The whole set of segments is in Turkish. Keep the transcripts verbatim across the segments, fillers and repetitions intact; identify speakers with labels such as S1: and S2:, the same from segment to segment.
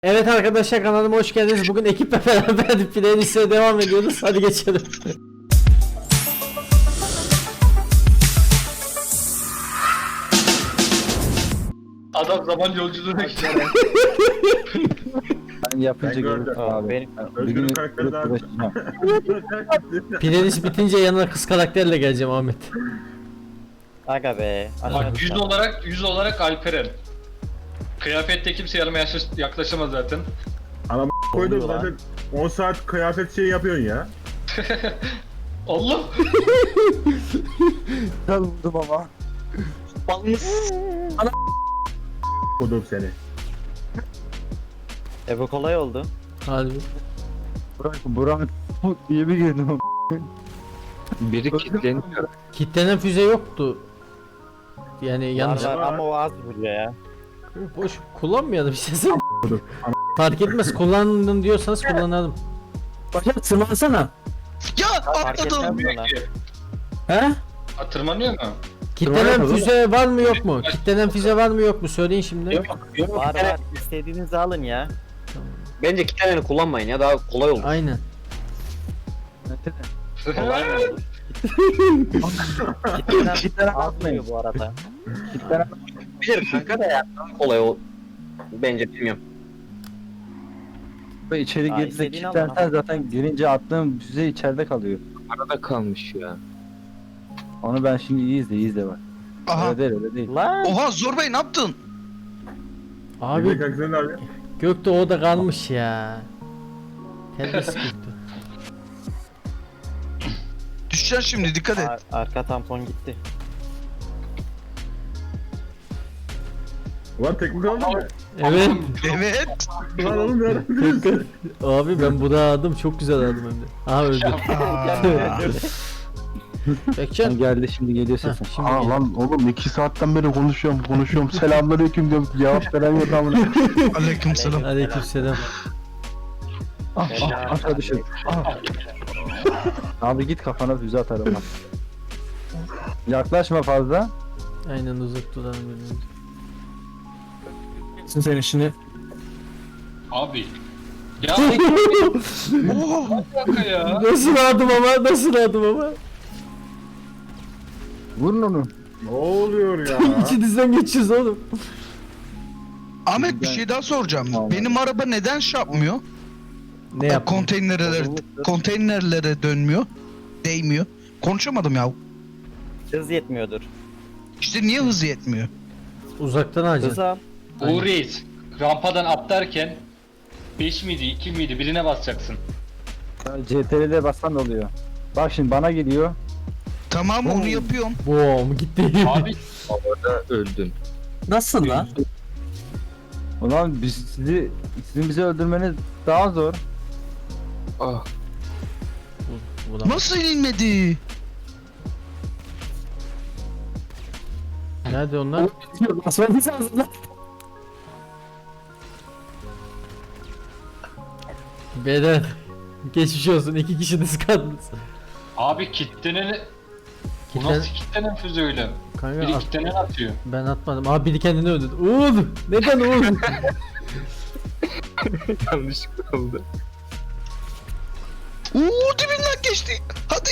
S1: Evet arkadaşlar, kanalıma hoş geldiniz. Bugün ekiple beraber playlist'e devam ediyoruz. Hadi geçelim.
S2: Adam zaman yolculuğuna gitti.
S3: Ben yapınca
S4: Ben
S3: görürüm
S4: gördüm.
S3: abi.
S5: Benim
S3: Bir
S4: Özgür'ün
S3: gün
S4: karakteri daha
S3: uğraşacağım.
S1: Playlist bitince yanına kız karakterle geleceğim Ahmet.
S5: aga be.
S2: Bak yüz olarak yüz olarak Alperen. Kıyafette kimse yanıma yaş- yaklaşamaz zaten.
S4: Anam koydum
S5: Oluyor lan.
S4: zaten on saat kıyafet şey yapıyorsun ya.
S2: Allah!
S3: Tanıdım ama.
S4: Kodum seni.
S5: E bu kolay oldu.
S1: Harbi.
S3: Burak, Burak diye bir girdim.
S6: Biri kilitleniyor.
S1: Kitlenen füze yoktu. Yani yanlış.
S5: Var, var ama o az vuruyor ya.
S1: Boş kullanmayalım işte. Fark etmez, kullandın diyorsanız kullanalım.
S3: Başak tırmansana.
S2: Ya
S5: Fark etmez bana.
S3: He?
S2: Ha, tırmanıyor mu?
S1: Kitlenen
S3: Tırmanalım.
S1: füze var mı yok mu? Kitlenen füze var mı yok mu? Söyleyin şimdi.
S3: Yok yok.
S5: Var var. İstediğinizi alın ya.
S6: Bence kitleneni kullanmayın ya, daha kolay olur.
S1: Aynen.
S5: Kolay mı olur? Kitlenen
S3: Kitlenen
S5: az
S3: atmayın.
S5: vuruyor bu arada.
S3: Kitlenen
S6: Bilir kanka da ya, daha kolay o. Bence bilmiyorum.
S3: ve içeri
S5: Aa,
S3: girdiğinde
S5: istediğini al
S3: kilitlensen
S5: bana.
S3: zaten girince attığım füze içeride kalıyor.
S6: Arada kalmış ya.
S3: Onu ben şimdi iyi izle iyi izle bak.
S7: Aha.
S3: Öyle değil öyle değil.
S5: Lan.
S7: Oha Zor Bey ne yaptın?
S4: Abi.
S1: Abi
S4: Kanka sen abi.
S1: Gökte o da kalmış ya. Terbiyesiz Gökte.
S7: Düşeceksin şimdi dikkat et.
S5: Ar- arka tampon gitti.
S4: Ulan teknik aldın mı?
S1: Evet.
S7: Evet.
S4: Ulan oğlum nereden biliyorsun?
S1: Abi ben bu da aldım, çok güzel aldım hem de. Aha öldü. Bekçen.
S3: Sen geldi şimdi geliyor
S1: Heh,
S3: sesin.
S1: şimdi
S8: Aa
S1: gel.
S8: lan oğlum iki saatten beri konuşuyorum konuşuyorum selamünaleyküm diyorum cevap veren yok amına.
S7: Aleykümselam.
S1: Aleykümselam.
S3: Ah ah aşağı düşür. Ah. Abi git kafana füze atarım bak. Yaklaşma fazla.
S1: Aynen, uzak duralım birbirimize.
S3: Sen işini.
S2: Abi. Ya kanka ya.
S1: Nasıl aldım ama, nasıl aldım ama.
S8: Vurun onu.
S4: Ne oluyor ya?
S1: İçinizden geçiyoruz oğlum.
S7: Ahmet bir şey daha soracağım.
S3: Tamam.
S7: Benim araba neden şey yapmıyor?
S1: Ne yaptın?
S7: Konteynerlere, konteynerlere dönmüyor. Değmiyor. Konuşamadım ya.
S5: Hız yetmiyordur.
S7: İşte niye hızı yetmiyor?
S1: Uzaktan
S5: Hız
S1: alacaksın.
S5: al.
S2: Uğur Reis. Rampadan atlarken beş miydi iki miydi birine basacaksın.
S3: C T R'de bassan oluyor. Bak şimdi bana geliyor.
S7: Tamam onu yapıyorum.
S1: Boom gitti.
S2: Abi
S6: Orada öldün.
S3: Nasıl lan? Ulan biz sizi, sizin bizi öldürmeniz daha zor.
S6: Ah.
S1: Ulan.
S7: Nasıl inmedi?
S1: Nerede onlar?
S3: Basmanız lazım lan.
S1: Beyler. Geçmiş olsun, iki kişiniz kaldınız.
S2: abi kitlenen bu
S1: Kitlen...
S2: nasıl kitlenen füze öyle?
S1: Kanka
S2: Biri
S1: at-
S2: kitlenen atıyor.
S1: ben atmadım. Abi biri kendini öldürdü. Uğur! Neden Uğur?
S6: Yanlışlıkla oldu.
S7: Uuu dibinden geçti. Hadi.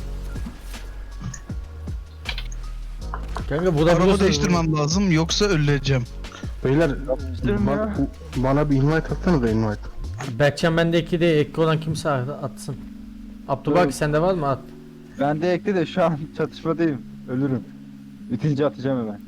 S1: Kanka bu da
S7: Araba
S1: biliyorsun.
S7: değiştirmem lazım yoksa öleceğim.
S8: Beyler
S3: Yapıştırma ya.
S8: bana, bana bir invite atsana da invite.
S1: Berkcan bende iki de ekli olan kimse atsın. Abdülbaki
S3: Evet.
S1: sende var mı? At.
S3: Ben de ekli de şu an çatışmadayım. Ölürüm. Bitince atacağım hemen.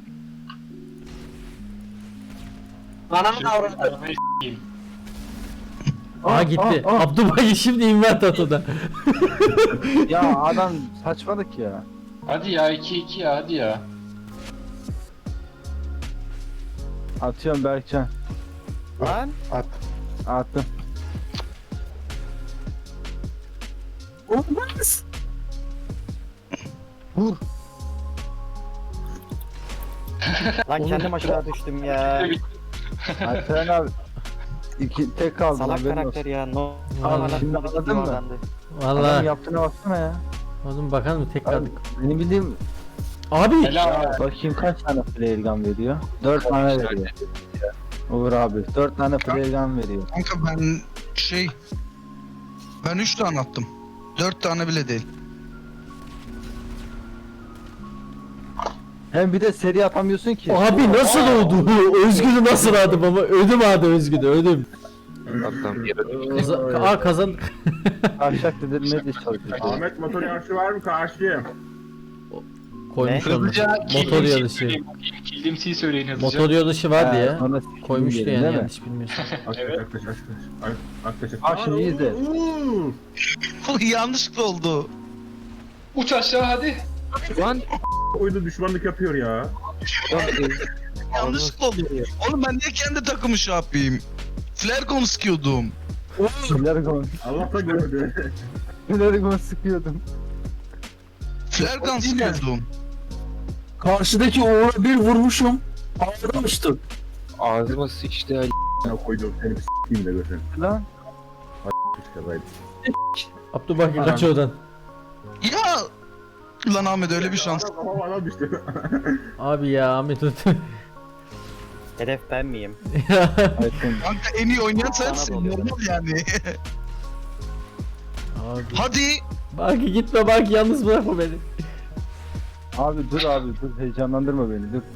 S6: Ananı avradı.
S2: Arabayı s**eyim.
S1: Aa gitti.
S3: ah, ah.
S1: Abdülbaki şimdi invert at o da.
S3: Ya adam saçmalık ya.
S2: Hadi ya iki iki ya hadi ya.
S3: Atıyorum Berkcan.
S5: Lan.
S8: At.
S3: Attım. Olmaz. Vur.
S5: Lan kendim aşağı düştüm ya.
S3: Alperen abi. İki tek kaldı.
S5: Salak
S3: haberin olsun.
S5: karakter ya. No.
S1: Vallahi.
S5: Normal
S3: Şimdi
S5: atmadı,
S3: anladın mı?
S5: yuvarlandı.
S3: Adamın
S1: Vallahi.
S3: yaptığına baksana ya.
S1: Oğlum bakalım mı tek
S3: Abi,
S1: kaldık.
S3: benim bildiğim
S1: Abi.
S2: Helal.
S3: bakayım kaç tane flare gun veriyor? dört tane veriyor. Uğur abi dört tane playgun veriyor.
S7: Kanka ben şey... Ben üç tane attım. dört tane bile değil.
S3: Hem bir de seri atamıyorsun ki.
S1: Abi nasıl oldu? Özgür'ü nasıl aldım ama ödüm aldı Özgür'ü ödüm.
S6: Atlam yere
S1: Kaza Aa kazandık.
S3: Aşağı dedirmeye çalışıyor.
S4: Ahmet motor yarışı var mı karşıya?
S1: Koymuş
S5: Ne?
S1: onu.
S2: Hızlıca
S1: Motor yarışı.
S2: Killimsi'yi söyleyin hızlıca.
S1: Motor yarışı vardı ya.
S3: Sonra
S1: Koymuştu
S3: sikeyim
S1: yani
S3: değil mi?
S1: yanlış bilmiyorsam.
S2: Evet.
S4: Aklaş aklaş aklaş. Aklaş
S3: Bak şimdi izle.
S7: Yanlışlıkla oldu.
S2: Uç aşağı hadi.
S6: Lan
S4: Oyunda düşmanlık yapıyor ya.
S7: Yanlışlıkla oldu. Oğlum ben niye kendi takımı şey yapayım? Flergon sıkıyordum.
S3: Flergon.
S4: Allah da gördü.
S3: Flergon sıkıyordum.
S7: Flergon sıkıyordum.
S8: Karşıdaki Uğur'a bir vurmuşum. Ağlamıştım.
S6: ağzıma sıçtı ya.
S4: Ya koydum seni bir s**eyim de götürün.
S3: Lan.
S4: Kazaydı.
S1: Abdülbaki kaç oradan.
S7: Ya! Lan Ahmet öyle bir şans.
S4: Kafam adam düştü.
S1: Abi ya Ahmet ödüm.
S5: Hedef ben miyim?
S3: Aykın.
S7: Kanka en iyi oynayan sensin.
S5: Bana da oluyor.
S7: Normal yani.
S1: Abi.
S7: Hadi.
S1: Baki gitme Baki yalnız bırakma beni.
S3: Abi dur abi dur heyecanlandırma beni dur.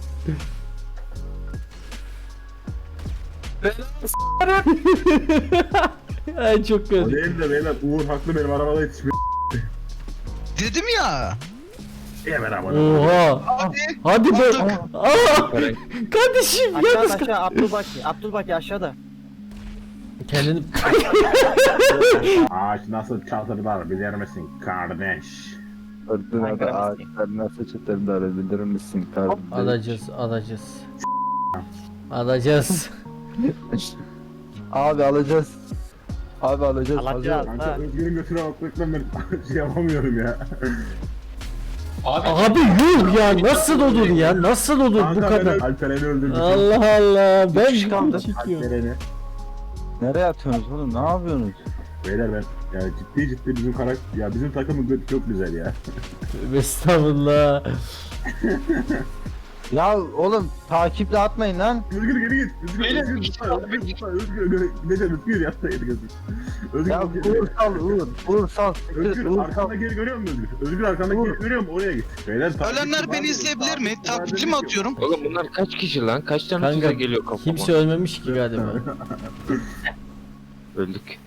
S1: Ay çok
S4: O
S1: kötü.
S4: değil de beyler Uğur haklı benim arabada yetişmiyor.
S7: Dedim ya.
S4: Niye ben arabada?
S1: Oha.
S7: Hadi.
S1: Hadi be.
S7: Aldık.
S1: Aa! Kardeşim
S5: Aşağıda
S1: yalnız kal.
S5: aşağı Abdülbaki. Abdülbaki aşağıda.
S1: Kendini
S4: Ağaç nasıl çatırlar bilir misin kardeş?
S3: Fırtınada ağaçlar nasıl çıtırlar bilir misin kardeş?
S1: alacağız, alacağız. Alacağız.
S3: Abi alacağız. Abi alacağız.
S5: Alacağız.
S3: alacağız.
S4: Kanka
S5: Ha.
S4: Özgür'ün götüne bakmaktan ben şey yapamıyorum ya.
S2: Abi,
S1: Abi yuh ya nasıl olur ya nasıl olur bu
S4: Kanka ben
S1: kadar.
S4: Alperen'i öldürdüm.
S1: Allah Allah ben
S3: kişi kaldı.
S1: çekiyorum.
S4: Alperen'i.
S3: Nereye atıyorsunuz oğlum ne yapıyorsunuz?
S4: Beyler ben ya ciddi ciddi bizim karakter ya bizim takımın götü çok güzel ya.
S1: Estağfurullah.
S3: Ya oğlum takiple atmayın lan.
S4: Özgür geri git. Özgür
S2: Beyler,
S4: Özgür
S2: iki
S4: lütfen,
S2: kaldı,
S4: Özgür
S2: iki.
S4: lütfen Özgür Özgür gideceğim Özgür yapsa yedi gözü. Özgür
S3: Ya Uğur sal Uğur. Uğur sal.
S4: Özgür
S3: Uğur sal.
S4: arkanda geri görüyor musun Özgür? Özgür arkandaki
S3: Uğur.
S4: geri görüyor musun? Oraya git. Beyler takipçi
S7: Ölenler
S4: var
S7: beni
S4: mı?
S7: izleyebilir mi?
S4: Takipçi var
S7: Takipçi
S4: mı?
S7: mi atıyorum?
S6: Oğlum bunlar kaç kişi lan? Kaç tane
S1: Kanka
S6: tuza geliyor kafama?
S1: kimse ölmemiş ki galiba.
S6: Öldük.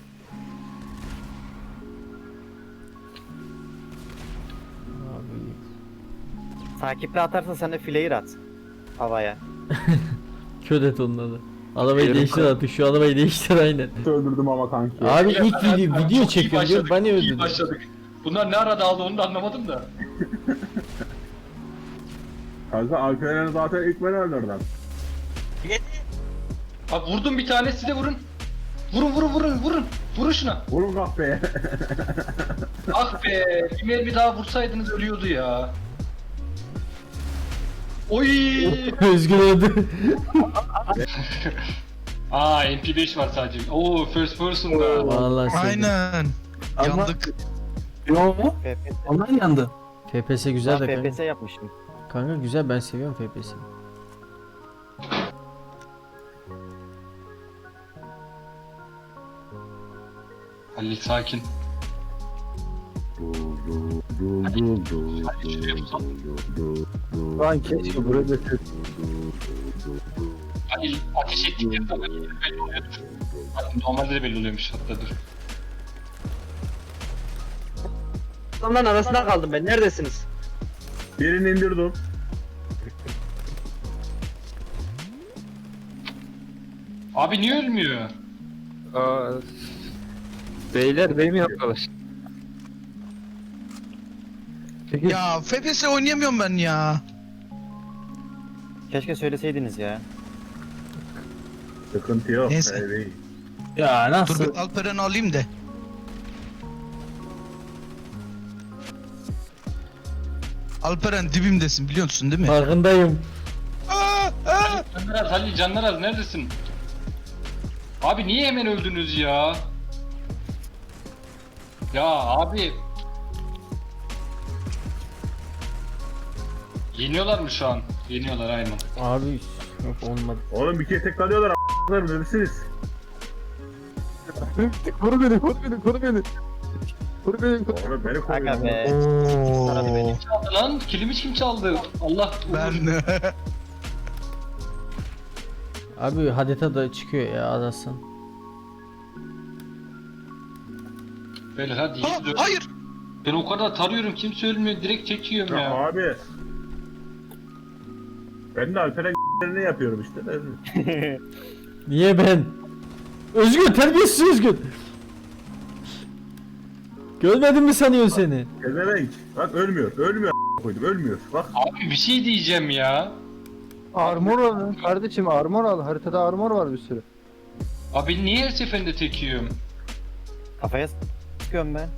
S5: Takiple atarsan sen de flare at. Havaya.
S1: Köd et onları. Arabayı
S6: Yarım
S1: değiştir
S6: kal-
S1: artık şu arabayı değiştir aynen.
S4: Öldürdüm ama kanki.
S1: Abi ilk video,
S2: Çok
S1: video
S2: iyi
S1: çekiyor diyor
S2: başladık,
S1: beni
S2: çok iyi
S1: öldürdü.
S2: başladık. Bunlar ne arada aldı onu da anlamadım da.
S4: Kanka Alperen'i zaten ilk ben öldürdüm.
S2: Abi vurdum bir tane size vurun. Vurun vurun vurun vurun. Vurun şuna.
S4: Vurun kahpeye.
S2: Ah be. Bir mermi daha vursaydınız ölüyordu ya. Oy.
S1: Özgür öldü.
S2: Aa M P beş var sadece. Oo first person da.
S1: Vallahi sevdim.
S7: Aynen.
S8: Ama-
S7: Yandık.
S8: Yo mu?
S5: F P S.
S8: Onlar yandı.
S1: F P S güzel de
S5: F P
S1: kanka.
S5: S yapmıştım.
S1: Kanka güzel ben seviyorum F P S'yi.
S2: Halil sakin.
S3: Lan keşke burada ses.
S2: Halil ateş ettikleri zaman belli oluyordur. Normalde de belli oluyormuş hatta dur.
S9: Adamların arasında kaldım ben. Neredesiniz?
S4: Birini indirdim.
S2: Abi niye ölmüyor?
S6: Aa, beyler benim yapıyorlar.
S3: Peki
S7: Ya F P S oynayamıyorum ben ya.
S5: Keşke söyleseydiniz ya.
S4: Sıkıntı yok.
S7: Neyse.
S4: Evet.
S8: Ya
S7: Dur
S8: nasıl?
S7: bir Alperen'i alayım de. Alperen dibimdesin biliyorsun değil mi?
S1: Farkındayım.
S7: Aa, aa.
S2: Canlar az Halil canlar az neredesin? Abi niye hemen öldünüz ya? Ya abi. Yeniyorlar mı şu an? Yeniyorlar aynen.
S1: Abi Yok olmadı.
S4: Oğlum bir kere tekrarlıyorlar a**lar neredesiniz?
S8: Koru beni, koru beni, koru beni. Koru beni, koru.
S4: Oğlum beni
S5: Aga
S4: koruyor.
S5: be. Aradı beni.
S7: Oo.
S2: Çaldı lan. Kilimi kim çaldı? Allah.
S7: Ben
S1: Abi harita da çıkıyor ya arasın.
S2: Böyle hadi.
S7: Ha,
S2: yürü.
S7: hayır.
S2: Ben o kadar tarıyorum kimse ölmüyor. Direkt çekiyorum
S4: Ya
S2: ya.
S4: abi. Ben de Alper'e ne yapıyorum işte.
S1: Niye ben? Özgür terbiyesiz Özgür. Görmedin mi sanıyorsun seni?
S4: Ezevenk. Bak ölmüyor. Ölmüyor a** koydum. Ölmüyor. Bak.
S2: Abi bir şey diyeceğim ya.
S8: Armor al kardeşim, armor al. Haritada armor var bir sürü.
S2: Abi niye her seferinde tekiyorum?
S5: Kafaya sıkıyorum ben.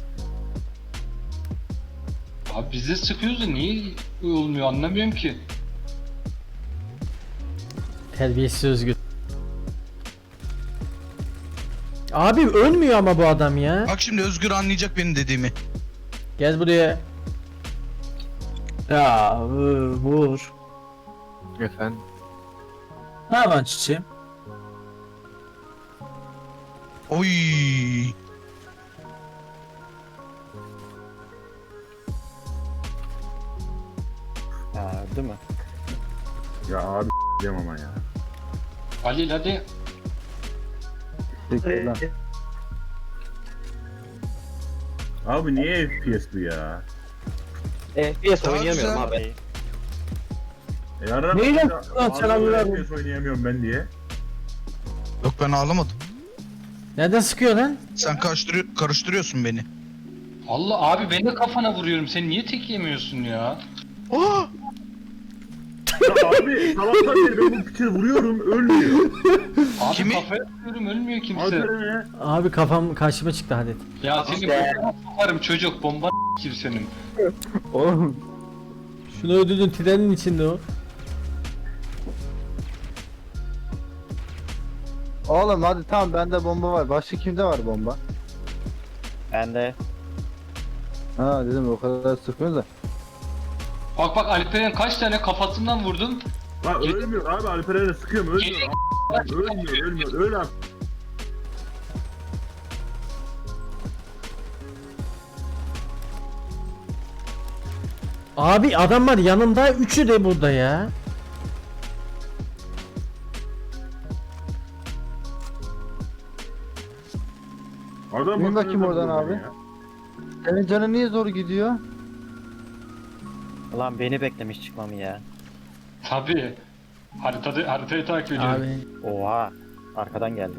S2: Abi biz de sıkıyoruz da niye olmuyor anlamıyorum ki.
S1: Terbiyesiz Özgür. Abi ölmüyor ama bu adam ya.
S7: Bak şimdi Özgür anlayacak benim dediğimi.
S1: Gel buraya.
S3: Ya vur. vur.
S6: Efendim.
S3: Ne yapan çiçeğim?
S7: Oy.
S5: Ha, değil mi?
S4: Ya abi diyemem ama ya.
S2: Halil hadi.
S8: Peki lan.
S4: Abi niye F P S bu ya?
S9: F P S
S7: Daha
S9: oynayamıyorum
S7: güzel.
S9: abi.
S4: E yarın
S8: Neyle-
S4: Abi,
S8: Lan selamlar.
S4: F P S oynayamıyorum ben diye.
S7: Yok ben ağlamadım.
S1: Nereden sıkıyor lan?
S7: Sen karıştırıyor, karıştırıyorsun beni.
S2: Allah abi ben de kafana vuruyorum. Sen niye tek yemiyorsun ya?
S7: Oh!
S4: Ya abi sabahtan beri ben bu piçe vuruyorum ölmüyor.
S2: Abi
S7: Kimi?
S2: kafaya vuruyorum ölmüyor kimse.
S4: Alper'e ne?
S1: Abi kafam karşıma çıktı hadi.
S2: Ya seni bombana sokarım çocuk. Bomba kim senin?
S8: Oğlum.
S1: Şunu öldürdün trenin içinde o.
S8: Oğlum hadi tamam, bende bomba var. Başka kimde var bomba?
S5: Ben de.
S8: Ha dedim o kadar sıkmıyor da.
S2: Bak bak Alper'in kaç tane kafasından vurdum.
S4: Lan ölmüyor abi Alper'e de sıkıyorum ölmüyor. A**, ölmüyor ölmüyor öl abi.
S1: Abi adam var yanında, üçü de burada ya.
S4: Adam
S8: Bin
S4: bakıyor
S8: bakayım
S4: da
S8: oradan
S4: buradan
S8: abi.
S4: ya.
S8: Senin canın niye zor gidiyor?
S5: Ulan beni beklemiş çıkmamı ya.
S2: Tabii. Haritada, haritayı takip ediyorum.
S1: Abi
S5: Oha. Arkadan geldi.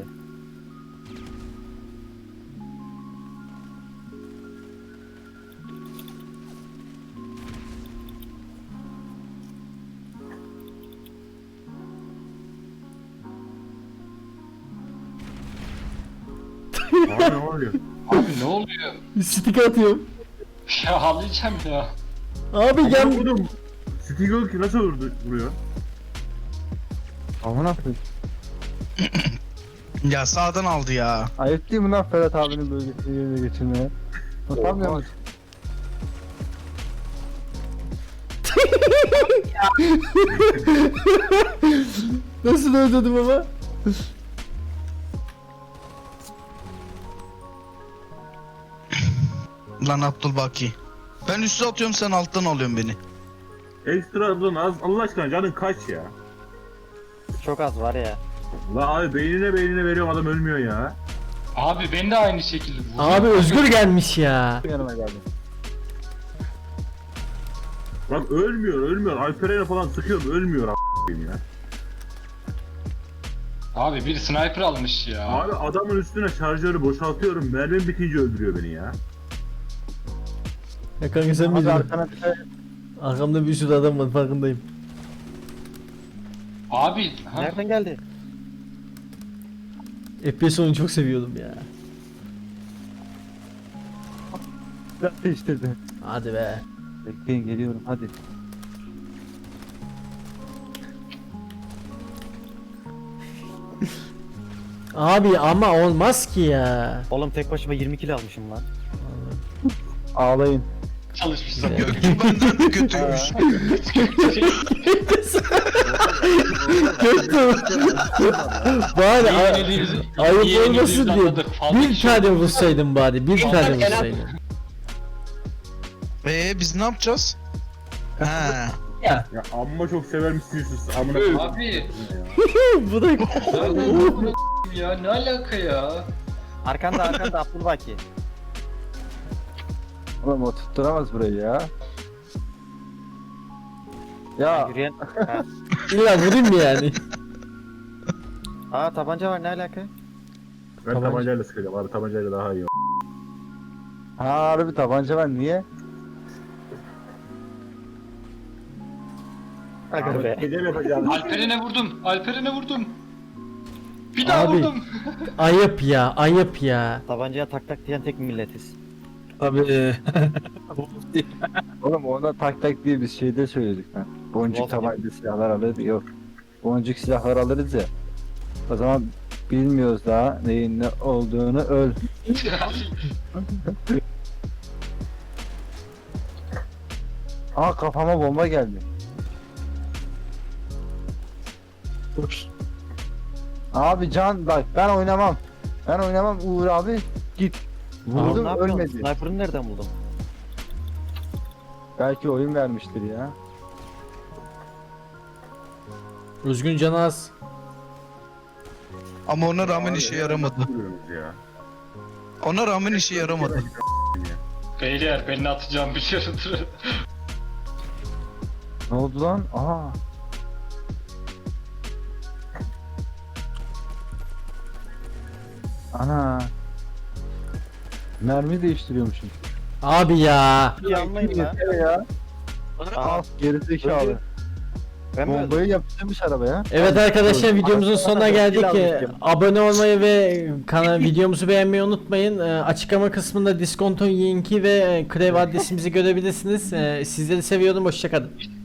S4: Abi ne oluyor?
S2: Abi ne oluyor?
S1: stick atıyorum.
S2: Ya ağlayacağım ya.
S1: Abi
S4: Ben
S1: gel.
S4: vurdum. Stigl ki nasıl vurdu vuruyor?
S8: Aman aferin.
S7: Ya sağdan aldı ya.
S8: Ayıp değil mi lan Ferhat abinin bölgesini yerine geçirmeye? Utanmıyor musun?
S1: Nasıl öldürdüm ama?
S7: Lan Abdülbaki. Ben üstü atıyorum sen alttan alıyorsun beni.
S4: Ekstra dur az Allah aşkına canın kaç ya?
S5: Çok az var ya.
S4: La abi beynine beynine veriyorum adam ölmüyor ya.
S2: Abi ben de aynı şekilde vurdum.
S1: Abi Özgür gelmiş ya.
S8: Yanıma geldi.
S4: Bak ölmüyor ölmüyor Alper'e falan sıkıyorum ölmüyor a**ayım ya.
S2: Abi bir sniper almış ya.
S4: Abi adamın üstüne şarjörü boşaltıyorum mermim bitince öldürüyor beni ya.
S1: Ya kanka sen
S8: Abi
S1: miydin?
S8: arkana bir şey.
S1: Arkamda bir sürü adam var farkındayım.
S2: Abi ha,
S5: Nereden geldi?
S1: F P S oyunu çok seviyordum ya.
S8: Silah değiştirdi.
S1: Hadi be.
S8: Bekleyin geliyorum hadi.
S1: Abi ama olmaz ki ya.
S5: Oğlum tek başıma yirmi kilo almışım lan.
S8: Ağlayın.
S2: çalışmışsın.
S7: Göktuğ benden de kötüymüş.
S1: Bari
S2: İyi
S1: ay-
S2: yenildiğimizi- iyi
S1: ayıp
S2: yenildiğimizi
S1: olmasın diye
S2: anladık. Fazla
S1: bir
S2: kişi
S1: tane
S2: oldu.
S1: vursaydın bari bir tane vursaydın.
S7: Ee biz ne yapacağız? Ha.
S4: Ya amma çok severmişsiniz siz. Amına
S2: Abi
S1: Bu da
S2: ya ne alaka ya?
S5: Arkanda arkanda Abdülbaki.
S3: Oğlum o tutturamaz burayı ya. Ya
S5: Yürüyen. Ha.
S1: illa vurayım mı yani?
S5: Aa tabanca var ne alaka?
S4: Ben
S1: Tabanca.
S4: tabancayla sıkacağım. Abi tabancayla daha iyi.
S3: ha harbi tabanca var niye?
S5: Aga be.
S4: Gece mi yapacağız?
S2: Alperen'e vurdum. Alperen'e vurdum. Bir daha
S1: Abi.
S2: vurdum.
S1: Ayıp ya ayıp ya.
S5: Tabancaya tak tak diyen tek milletiz.
S6: Tabii.
S3: Oğlum ona tak tak diye biz şeyde söyledik lan. Boncuk
S5: Wolf
S3: tabanca silahlar alırız yok. Boncuk silahlar alırız ya. O zaman bilmiyoruz daha neyin ne olduğunu öl. Aa kafama bomba geldi. Abi can bak ben oynamam. Ben oynamam Uğur abi git.
S5: Oğlum
S3: Vurdum
S5: ne yapıyorsun?
S3: ölmedi.
S5: Sniper'ını nereden buldun?
S3: Belki oyun vermiştir ya.
S1: Üzgün Canaz.
S7: Ama ona rağmen işe yaramadı.
S4: Ya.
S7: Ona rağmen işe yaramadı.
S2: Beyler beni atacağım bir şeydir.
S3: Ne oldu lan? Aa. Ana. Mermi değiştiriyormuşum.
S1: Abi ya.
S5: Yanmayın lan.
S3: Yeter ya.
S5: Aa,
S3: Al gerizekalı.
S5: öldü. Ben mi öldüm?
S3: Bombayı yapıştırmış arabaya.
S1: Evet arkadaşlar videomuzun sonuna geldik.
S3: Silah
S1: Ee,
S3: almışım.
S1: Abone olmayı ve kanal videomuzu beğenmeyi unutmayın. Ee, Açıklama kısmında Diskonto linki ve Krev adresimizi görebilirsiniz. Ee, Sizleri seviyorum. Hoşçakalın.